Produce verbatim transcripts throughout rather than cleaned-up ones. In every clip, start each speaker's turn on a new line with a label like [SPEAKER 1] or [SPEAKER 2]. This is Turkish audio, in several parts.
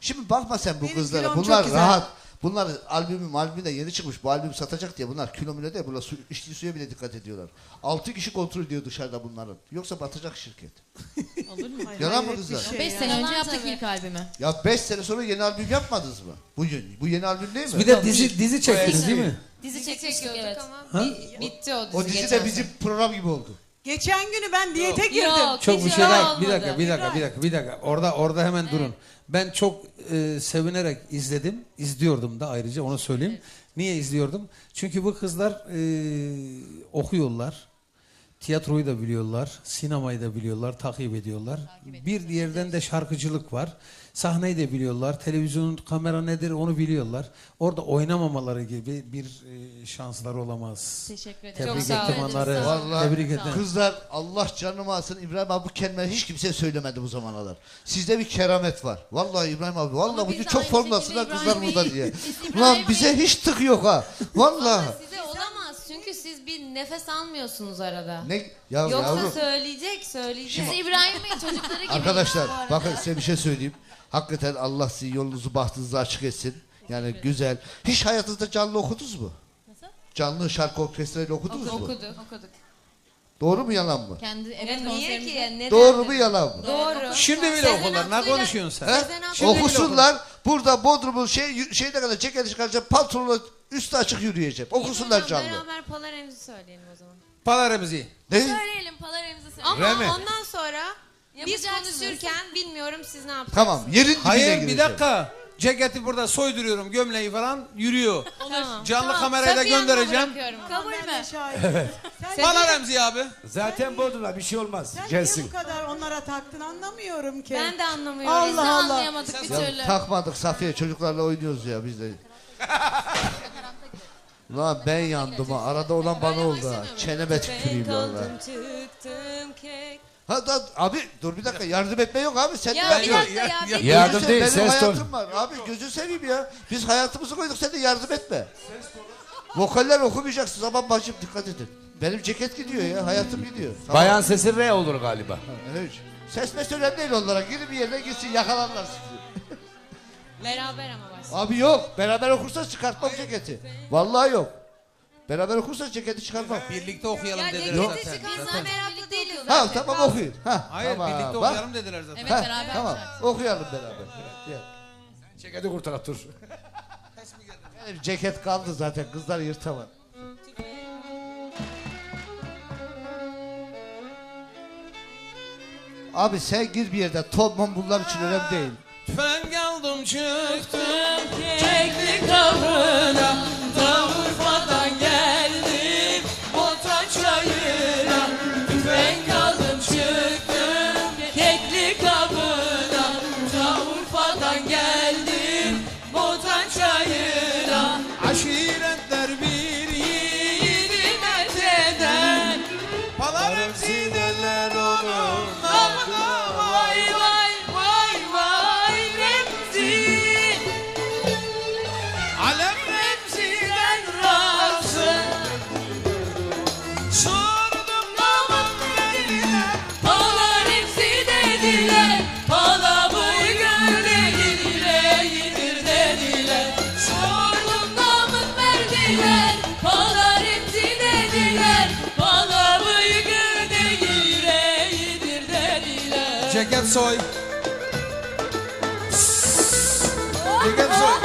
[SPEAKER 1] Şimdi bakma sen bu
[SPEAKER 2] Benim
[SPEAKER 1] kızlara.
[SPEAKER 2] kilom çok
[SPEAKER 1] Bunlar
[SPEAKER 2] güzel.
[SPEAKER 1] rahat. Bunlar albümüm albümü de yeni çıkmış. Bu albüm satacak diye bunlar kilometre değil. Bunlar su, içtiği suya bile dikkat ediyorlar. Altı kişi kontrol ediyor dışarıda bunların. Yoksa batacak şirket.
[SPEAKER 3] Olur mu?
[SPEAKER 2] Ay,
[SPEAKER 1] Yalan mı
[SPEAKER 2] hayret
[SPEAKER 1] kızlar?
[SPEAKER 2] bir şey
[SPEAKER 3] Beş
[SPEAKER 2] ya.
[SPEAKER 3] sene önce
[SPEAKER 4] Yalan
[SPEAKER 3] yaptık
[SPEAKER 4] tabii.
[SPEAKER 3] ilk albümü.
[SPEAKER 1] Ya beş sene sonra yeni albüm yapmadınız mı? Bu, bu yeni albüm değil mi?
[SPEAKER 5] Bir de dizi dizi çektiniz değil mi?
[SPEAKER 4] Dizi,
[SPEAKER 6] Dizi
[SPEAKER 4] çekmiştik
[SPEAKER 6] çekiyorduk
[SPEAKER 4] evet.
[SPEAKER 6] ama bi- bitti o dizi.
[SPEAKER 1] O dizi
[SPEAKER 6] geçen
[SPEAKER 1] de bizim
[SPEAKER 6] sene.
[SPEAKER 1] program gibi oldu.
[SPEAKER 2] Geçen günü ben diyete girdim.
[SPEAKER 4] Yok,
[SPEAKER 5] Çok
[SPEAKER 4] hiç
[SPEAKER 5] bir şey
[SPEAKER 4] öyle
[SPEAKER 5] daha. Bir
[SPEAKER 4] olmadı.
[SPEAKER 5] dakika, bir dakika, bir dakika, bir dakika. Orada orada hemen durun. Ben çok e, sevinerek izledim. İzliyordum da ayrıca onu söyleyeyim. Niye izliyordum? Çünkü bu kızlar e, okuyorlar. Tiyatroyu da biliyorlar, sinemayı da biliyorlar, takip ediyorlar. Bir yerden de şarkıcılık var. Sahneyi de biliyorlar, televizyonun kamera nedir onu biliyorlar. Orada oynamamaları gibi bir e, şansları olamaz.
[SPEAKER 3] Teşekkür ederim.
[SPEAKER 5] Tebrik
[SPEAKER 6] sağ
[SPEAKER 5] ettim
[SPEAKER 6] olun.
[SPEAKER 5] onları.
[SPEAKER 1] Vallahi
[SPEAKER 5] Tebrik ederim.
[SPEAKER 1] kızlar Allah canımı alsın. İbrahim abi bu kelimeyi hiç kimseye söylemedi bu zamanalar. Sizde bir keramet var. Vallahi İbrahim abi. Vallahi
[SPEAKER 4] Ama
[SPEAKER 1] bugün
[SPEAKER 4] biz de
[SPEAKER 1] çok
[SPEAKER 4] aynı
[SPEAKER 1] formdasınlar
[SPEAKER 4] şekilde
[SPEAKER 1] kızlar
[SPEAKER 4] İbrahim
[SPEAKER 1] burada
[SPEAKER 4] Bey-
[SPEAKER 1] diye.
[SPEAKER 4] Biz İbrahim
[SPEAKER 1] Ulan
[SPEAKER 4] Bey-
[SPEAKER 1] bize hiç tık yok ha. Vallahi.
[SPEAKER 4] Ama size olamaz çünkü siz bir nefes almıyorsunuz arada.
[SPEAKER 1] Ne ya
[SPEAKER 4] Yoksa
[SPEAKER 1] yavrum.
[SPEAKER 4] söyleyecek söyleyecek.
[SPEAKER 3] Biz İbrahim Bey çocukları gibi.
[SPEAKER 1] Arkadaşlar
[SPEAKER 3] bu arada.
[SPEAKER 1] bakın size bir şey söyleyeyim. Hakikaten Allah sizin yolunuzu bahtınızı açık etsin. Yani güzel. Hiç hayatınızda canlı okudunuz mu?
[SPEAKER 3] Nasıl?
[SPEAKER 1] Canlı şarkı orkestrayla okudunuz mu?
[SPEAKER 4] Okuduk.
[SPEAKER 3] Okuduk.
[SPEAKER 1] Doğru mu yalan mı?
[SPEAKER 3] Kendi
[SPEAKER 4] Ya
[SPEAKER 3] evet
[SPEAKER 4] niye ki
[SPEAKER 3] konserimizde.
[SPEAKER 4] ya? Neden?
[SPEAKER 1] Doğru mu yalan mı?
[SPEAKER 4] Doğru.
[SPEAKER 5] Şimdi bile
[SPEAKER 4] Sezen
[SPEAKER 5] okurlar. Ne
[SPEAKER 4] Aksu'yla-
[SPEAKER 5] konuşuyorsun sen?
[SPEAKER 1] He?
[SPEAKER 4] Sezen Aksu'yla-
[SPEAKER 1] Okusunlar. Burada Bodrum'un şey şeyine kadar ceketi çıkaracak pantolonla üstü açık yürüyecek. Okusunlar
[SPEAKER 4] O zaman
[SPEAKER 1] canlı.
[SPEAKER 4] Beraber Palaremzi söyleyelim o zaman.
[SPEAKER 5] Palaremizi.
[SPEAKER 1] Ne?
[SPEAKER 4] Söyleyelim Palaremzi söyleyelim. Ama
[SPEAKER 5] Öyle mi?
[SPEAKER 4] ondan sonra biz
[SPEAKER 3] Yapacaksınız.
[SPEAKER 4] konuşurken bilmiyorum siz ne yapacaksınız.
[SPEAKER 1] Tamam. Yerin dibine
[SPEAKER 5] Hayır bir
[SPEAKER 1] gireceğim.
[SPEAKER 5] dakika. Ceketi burada soyduruyorum, gömleği falan yürüyor.
[SPEAKER 4] Tamam.
[SPEAKER 5] Canlı
[SPEAKER 4] Tamam,
[SPEAKER 5] kamerayla
[SPEAKER 4] Safiye Hanım'a
[SPEAKER 5] göndereceğim.
[SPEAKER 4] bırakıyorum.
[SPEAKER 3] Kabul
[SPEAKER 2] Ben de
[SPEAKER 3] mü?
[SPEAKER 2] şahidim. Sen
[SPEAKER 5] Bana
[SPEAKER 2] niye-
[SPEAKER 5] Remzi abi.
[SPEAKER 7] Zaten Bodrum'a bir şey olmaz.
[SPEAKER 2] Sen niye
[SPEAKER 7] Gelsin.
[SPEAKER 2] bu kadar onlara taktın anlamıyorum ki.
[SPEAKER 4] Ben de anlamıyorum.
[SPEAKER 2] Allah
[SPEAKER 3] Biz de
[SPEAKER 2] Allah.
[SPEAKER 3] anlayamadık bir türlü.
[SPEAKER 1] Ya, takmadık Safiye çocuklarla oynuyoruz ya biz de. Ulan ben yandım ha. Arada olan bana oldu ha. Çeneme tüküreyim
[SPEAKER 4] Ben
[SPEAKER 1] vallahi.
[SPEAKER 4] kaldım çıktım kek.
[SPEAKER 1] Ha da, abi dur bir dakika yardım etme yok abi sen
[SPEAKER 4] Ya
[SPEAKER 1] de
[SPEAKER 4] bir
[SPEAKER 1] yok.
[SPEAKER 4] dakika ya.
[SPEAKER 5] ya-
[SPEAKER 4] bir-
[SPEAKER 7] Yardım
[SPEAKER 1] Gözü-
[SPEAKER 7] değil,
[SPEAKER 1] benim
[SPEAKER 7] ses ton.
[SPEAKER 1] hayatım var. Abi gözü seveyim ya. Biz hayatımızı koyduk sen de yardım etme. Vokaller okumayacaksın zaman bacım dikkat edin. Benim ceket gidiyor ya hayatım gidiyor. Tamam.
[SPEAKER 7] Bayan sesi R olur galiba.
[SPEAKER 1] Evet. Ses mes önemli değil onlara. Girin bir yerine gitsin yakalarlar sizi.
[SPEAKER 4] Beraber ama başla.
[SPEAKER 1] Abi yok. Beraber okursanız çıkartmam ceketi. Vallahi yok. Beraber okursanız ceketi çıkartmam.
[SPEAKER 5] Birlikte okuyalım
[SPEAKER 4] Ya
[SPEAKER 5] dediler
[SPEAKER 4] ceketi
[SPEAKER 5] zaten.
[SPEAKER 4] çıkarsan meraklı değiliz
[SPEAKER 1] Ha
[SPEAKER 4] zaten.
[SPEAKER 1] tamam okuyun. Ha,
[SPEAKER 5] Hayır
[SPEAKER 1] tamam,
[SPEAKER 5] birlikte
[SPEAKER 1] bak.
[SPEAKER 5] okuyalım dediler zaten.
[SPEAKER 3] Evet
[SPEAKER 1] Ha,
[SPEAKER 3] beraber.
[SPEAKER 1] tamam okuyalım beraber. Gel.
[SPEAKER 7] Ceketi kurtar dur.
[SPEAKER 1] Benim ceket kaldı zaten kızlar yırtamam. Abi sen gir bir yerde tonman bunlar için önemli değil.
[SPEAKER 5] Ben geldim çıktım keklik kavrına, Urfa'dan geldim Botan çayına. Ben kaldım çıktım keklik kavrına, Urfa'dan geldim Botan çayına. Aşiretler bir yiğidi met eder, Palaremzi derler onun namına. Vay vay vay vay Remzi, Alem Remzi'den razı. Sordum namın dediler, Palaremzi dediler, Palamı gör dediler, yedir dediler. Sordum namın verdiler, Palaremzi dediler, Palamı gör dediler, yedir dediler. Ceket soy. Ceket soy.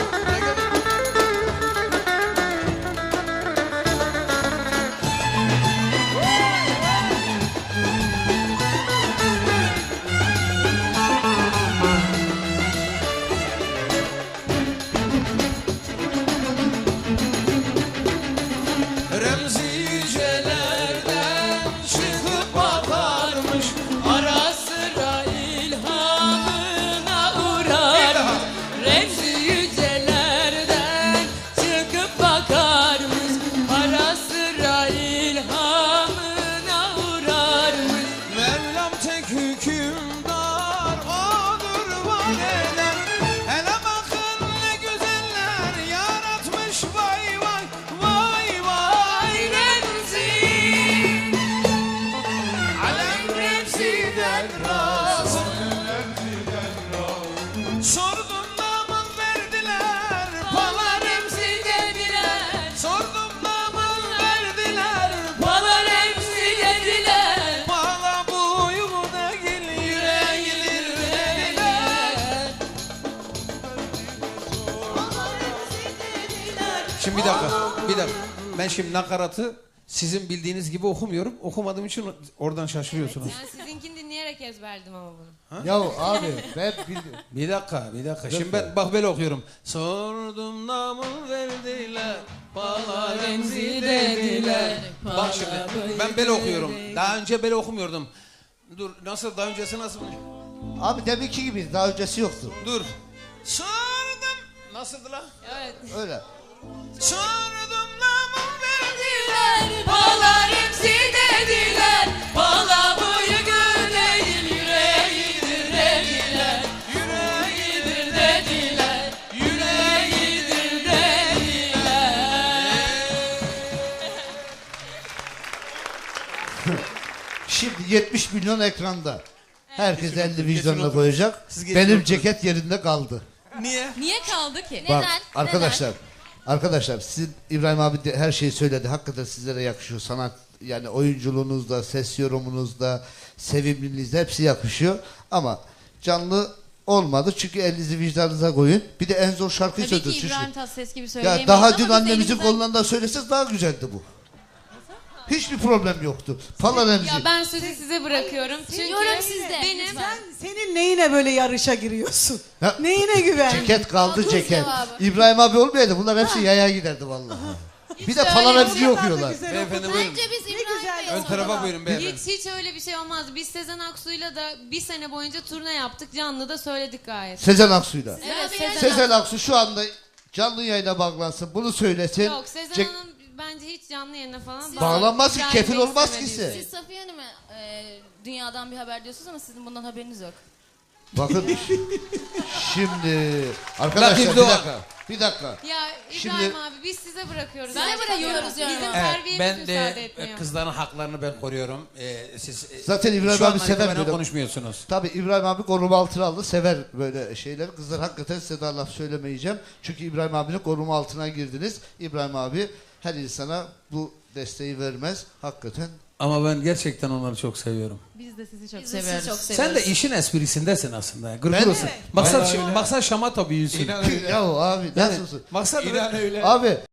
[SPEAKER 5] Remzi yücelerden çıkıp bakarmış, ara sıra ilhamına uğrar. Remzi yücelerden Şimdi bir dakika, bir dakika. Ben şimdi nakaratı sizin bildiğiniz gibi okumuyorum. Okumadığım için oradan şaşırıyorsunuz.
[SPEAKER 4] Yani sizinkini dinleyerek ezberledim ama bunu.
[SPEAKER 1] Ya abi ben bildim.
[SPEAKER 5] Bir dakika, bir dakika. Şimdi ben bak böyle okuyorum. Sordum namı verdiler, bana remzi dediler. Bak şimdi ben böyle okuyorum. Daha önce böyle okumuyordum. Dur, nasıl, daha öncesi nasıl?
[SPEAKER 1] Abi deminki gibi daha öncesi yoktu.
[SPEAKER 5] Dur. Sordum. Nasıldı lan?
[SPEAKER 4] Evet.
[SPEAKER 1] Öyle.
[SPEAKER 5] Sordum namı
[SPEAKER 3] Dediler, bağlar hepsi dediler. Bağla boyu gül değil, yüreğidir dediler. Yüreğidir dediler. Yüreğidir dediler.
[SPEAKER 1] Şimdi yetmiş milyon ekranda. Herkes elini
[SPEAKER 5] Kesin
[SPEAKER 1] vicdanına
[SPEAKER 5] oturun.
[SPEAKER 1] koyacak.
[SPEAKER 5] Siz geçin
[SPEAKER 1] Benim
[SPEAKER 5] oturun.
[SPEAKER 1] ceket yerinde kaldı.
[SPEAKER 5] Niye?
[SPEAKER 3] Niye kaldı ki?
[SPEAKER 1] Bak
[SPEAKER 4] Neden?
[SPEAKER 1] arkadaşlar. Arkadaşlar sizin İbrahim abi de her şeyi söyledi. Hakikaten sizlere yakışıyor. Sanat yani oyunculuğunuzda, ses yorumunuzda, sevimliliğinizde hepsi yakışıyor. Ama canlı olmadı çünkü elinizi vicdanınıza koyun. Bir de en zor şarkıyı
[SPEAKER 3] Tabii ki
[SPEAKER 1] söylediniz.
[SPEAKER 3] İbrahim Tatlıses gibi
[SPEAKER 1] Ya
[SPEAKER 3] söyleyemeyiz
[SPEAKER 1] daha
[SPEAKER 3] ama
[SPEAKER 1] dün
[SPEAKER 3] biz
[SPEAKER 1] annemizin
[SPEAKER 3] elimizden-
[SPEAKER 1] kolundan söyleseniz daha güzeldi bu. Hiçbir problem yoktu. Pala Remzi.
[SPEAKER 4] Ya ben sözü size bırakıyorum. Çünkü
[SPEAKER 3] Yorum sizde.
[SPEAKER 4] benim
[SPEAKER 2] Sen senin neyine böyle yarışa giriyorsun?
[SPEAKER 1] Ya,
[SPEAKER 2] Neyine güven?
[SPEAKER 1] ceket kaldı
[SPEAKER 3] Tuz
[SPEAKER 1] ceket.
[SPEAKER 3] cevabı.
[SPEAKER 1] İbrahim abi olmayaydı bunlar hepsi yaya giderdi vallahi. Bir de Pala
[SPEAKER 3] öyle
[SPEAKER 1] Remzi'yi
[SPEAKER 2] O kadar da
[SPEAKER 1] okuyorlar.
[SPEAKER 2] güzel
[SPEAKER 5] Beyefendi
[SPEAKER 2] okudun.
[SPEAKER 5] buyurun.
[SPEAKER 3] Bence biz
[SPEAKER 2] Ne
[SPEAKER 3] İbrahim
[SPEAKER 2] güzel
[SPEAKER 3] Bey'e
[SPEAKER 5] Ön tarafa
[SPEAKER 3] soralım.
[SPEAKER 5] buyurun beyefendi.
[SPEAKER 4] hiç hiç öyle bir şey olmaz. Biz Sezen Aksu'yla da bir sene boyunca turne yaptık. Canlı da söyledik gayet.
[SPEAKER 1] Sezen Aksu'yla.
[SPEAKER 3] Evet, Sezen
[SPEAKER 1] Sezen Aksu şu anda canlı yayına bağlansın. Bunu söylesin.
[SPEAKER 4] Yok Sezen
[SPEAKER 1] Cek-
[SPEAKER 4] Hanım bence hiç canlı yayına falan
[SPEAKER 1] Bağlanmaz ki,
[SPEAKER 4] bağlan-
[SPEAKER 1] kefil
[SPEAKER 4] gelmek
[SPEAKER 1] olmaz ki
[SPEAKER 4] istemediği
[SPEAKER 1] size.
[SPEAKER 3] Siz Safiye Hanım'a e, dünyadan bir haber diyorsunuz ama sizin bundan haberiniz yok.
[SPEAKER 1] Bakın şimdi arkadaşlar
[SPEAKER 5] Latif
[SPEAKER 1] bir
[SPEAKER 5] Doğan.
[SPEAKER 1] dakika. Bir dakika.
[SPEAKER 4] Ya İbrahim
[SPEAKER 1] Şimdi-
[SPEAKER 4] abi biz size bırakıyoruz.
[SPEAKER 3] Size
[SPEAKER 4] Bence
[SPEAKER 3] bırakıyoruz
[SPEAKER 4] tabii.
[SPEAKER 3] yani.
[SPEAKER 4] Bizim
[SPEAKER 5] Evet,
[SPEAKER 4] terbiyemiz
[SPEAKER 5] ben
[SPEAKER 4] müsaade
[SPEAKER 5] de
[SPEAKER 4] etmiyor.
[SPEAKER 5] kızların haklarını ben koruyorum. Ee, siz e,
[SPEAKER 1] Zaten İbrahim
[SPEAKER 5] şu
[SPEAKER 1] abi
[SPEAKER 5] an
[SPEAKER 1] sever
[SPEAKER 5] itibaren
[SPEAKER 1] böyle.
[SPEAKER 5] konuşmuyorsunuz.
[SPEAKER 1] Tabii İbrahim abi koruma altına aldı. Sever böyle şeyleri. Kızlar hakikaten size daha laf söylemeyeceğim. Çünkü İbrahim abinin koruma altına girdiniz. İbrahim abi her insana bu desteği vermez. Hakikaten.
[SPEAKER 5] Ama ben gerçekten onları çok seviyorum.
[SPEAKER 3] Biz de sizi çok seviyoruz. çok
[SPEAKER 5] Sen de işin esprisindesin aslında. Gırgır
[SPEAKER 1] Ben-
[SPEAKER 5] olsun. Maksat,
[SPEAKER 7] Vallahi öyle.
[SPEAKER 5] maksat şamata büyüsün.
[SPEAKER 7] İnan öyle.
[SPEAKER 1] Ya abi
[SPEAKER 5] Yani,
[SPEAKER 1] nasılsın?
[SPEAKER 5] maksat
[SPEAKER 7] İnan öyle.
[SPEAKER 1] Abi